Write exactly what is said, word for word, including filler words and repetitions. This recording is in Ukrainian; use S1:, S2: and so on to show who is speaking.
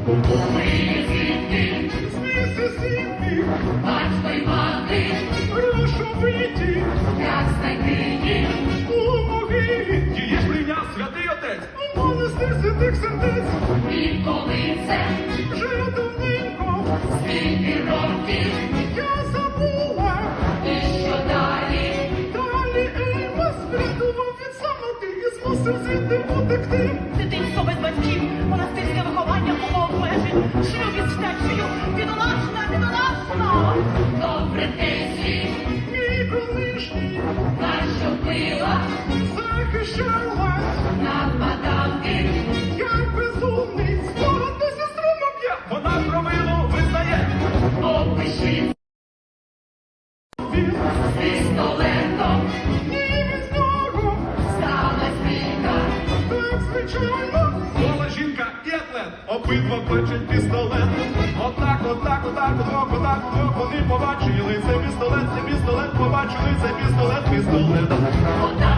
S1: Звідки?
S2: З Місісіпі.
S1: Батько й мати.
S2: Грошовиті.
S1: Як знайти їх?
S2: У могилі.
S3: Її ж прийняв святий отець.
S2: У монастир святих сердець.
S1: І коли це?
S2: Вже давненько.
S1: Скільки років?
S2: Я забула.
S1: І що далі?
S2: Далі Еймос врятував від самоти і змусив звідти утекти.
S4: Дитинство без батьків, монастирське виховання умов обмежень, шлюб із втечею, бідолашна, бідолашна!
S1: Добре Кейсі,
S2: Мій колишній
S1: нащо пила?
S2: захищала.
S1: Нападав ти?
S2: Як безумний, спогад до сестру моб'є.
S3: Вона провину визнає.
S1: Опиши
S2: Він
S1: з пістолетом.
S2: ні від нього,
S1: Стала бійка.
S2: так звичайно.
S3: Гола жінка і атлет. Обидва бачать пістолет. Отак, отак, отак, удвох, отак, удвох. Вони побачили цей пістолет, цей пістолет, побачили цей пістолет, пістолет.
S1: Отак